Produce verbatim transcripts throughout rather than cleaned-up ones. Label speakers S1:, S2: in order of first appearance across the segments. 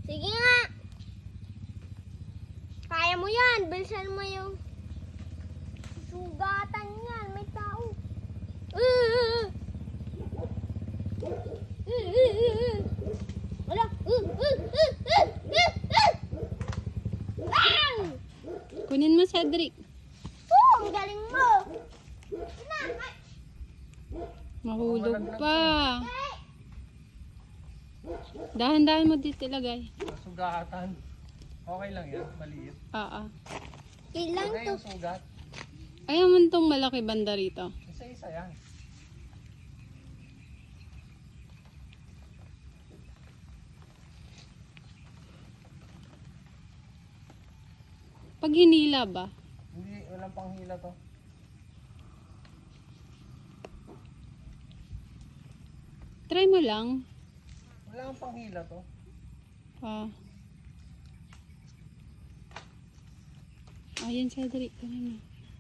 S1: Sige nga. Kaya mo yan. Bilisan mo yung sugatan yan. May tao. Uh, uh, uh. Wala. Uh, uh, uh, uh, uh, uh. Ah!
S2: Kunin mo, Cedric.
S1: Oh, ang galing mo. Na, ay.
S2: Mahulog pa. Dahan-dahan mo dito ilagay.
S3: Sugatan. Okay lang yan, maliit.
S2: Oo.
S1: Ilang
S3: Ano
S1: to?
S3: yung sugat?
S2: Ayaw mo itong malaki banda rito.
S3: Isa-isa yan.
S2: Pag hinila ba?
S3: Hindi, walang panghila to.
S2: Try mo lang.
S3: Wala kang panghila to.
S2: Ah. Ayan, Cedric. Kunin mo.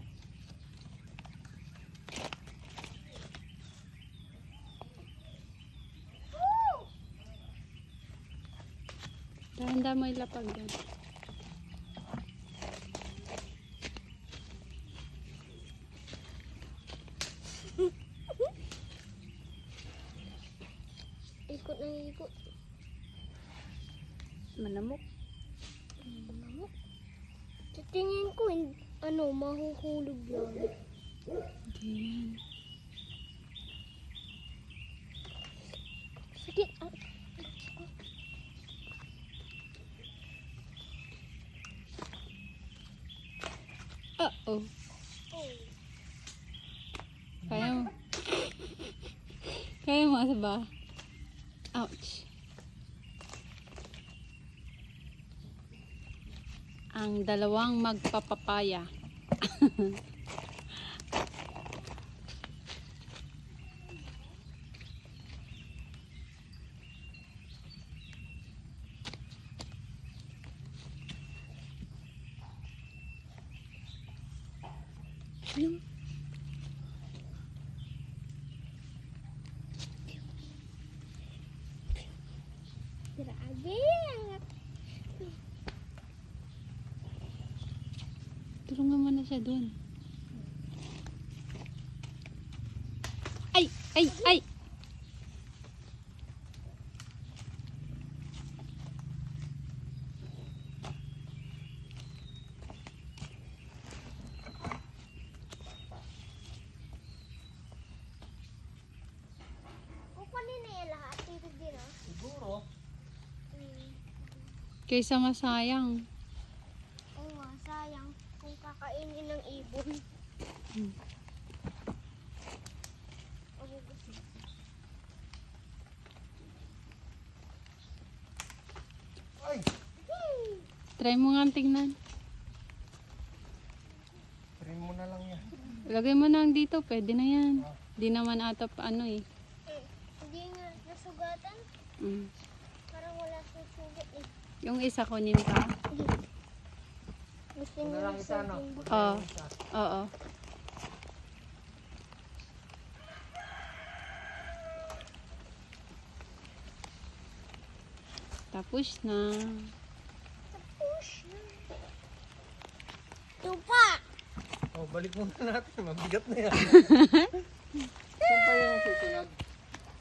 S2: Dahan-dahan mo ilapag yan.
S1: Ikot na ikot.
S2: Manamok.
S1: Manamok. Sa tingin ko, hin- ano, mahuhulog yan.
S2: Ayan.
S1: Sige. Ah.
S2: Uh-oh.
S1: Oh.
S2: Kaya mo. Kaya mo ba? Ouch. Ang dalawang magpapapaya. Yung
S1: Grabe.
S2: tulungan mo na siya doon. Ay! Ay! Ay!
S1: Kukunin na yan lahat. Dito din, ah.
S3: Siguro.
S1: Hmm.
S2: Kaysa masayang.
S1: Oo nga, sayang. Kung kakainin ng ibon.
S2: Hmm.
S1: Magugusin.
S3: Ay!
S1: Hmm.
S2: Try mo nga tingnan.
S3: Trim mo na lang yan.
S2: Lagay mo na dito. Pwede na yan. Di naman ata pa ano eh.
S1: Eh, hindi nga nasugatan.
S2: Mm.
S1: Parang wala susugat eh.
S2: Yung isa kunin pa.
S1: Gusto
S3: Ito na
S1: niya
S3: lang isa, no?
S1: yung
S3: Ito na
S2: Oo.
S3: lang isa.
S2: Oo. Tapos na.
S1: push. Tupa!
S3: Oh, balik muna natin. Mabigat na yan. Saan pa yung susunod?